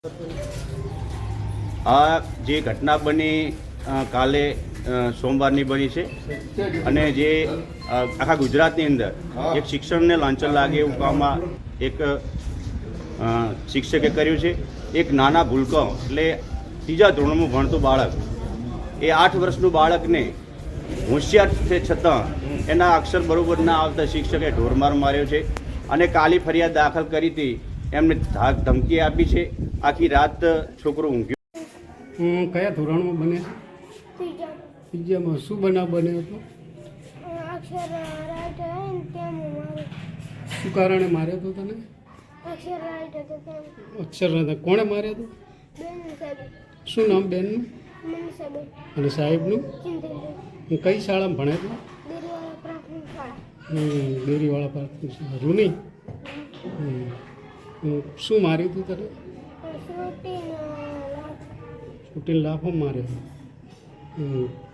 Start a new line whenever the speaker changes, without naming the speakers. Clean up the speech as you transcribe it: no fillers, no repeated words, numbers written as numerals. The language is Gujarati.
આ જે ઘટના બની કાલે સોમવારની બની છે અને જે આખા ગુજરાતની અંદર એક શિક્ષણને લાંછન લાગે એવું કામમાં એક શિક્ષકે કર્યું છે. એક નાના ભૂલકો એટલે ત્રીજા ધોરણમાં ભણતું બાળક, એ 8 વર્ષનું બાળકને હોશિયાર છે છતાં એના અક્ષર બરોબર ના આવતા શિક્ષકે ઢોરમાર માર્યો છે અને કાલી ફરિયાદ દાખલ કરી હતી. એમને ધમકી આપી છે. આખી રાત છોકરો ઊંઘ્યો.
કયા ધોરણમાં બને? ત્રીજામાં. શું બનાવ બન્યો હતો? શું કારણે માર્યો હતો તને? અક્ષર રાઈટ. કોણે માર્યો હતો? શું નામ બેનનું અને સાહેબનું? કઈ શાળામાં ભણે તો? દેરીવાળા પ્રાથમિક શાળા રૂની. શું માર્યું હતું તને? છૂટીને લાફો માર્યો.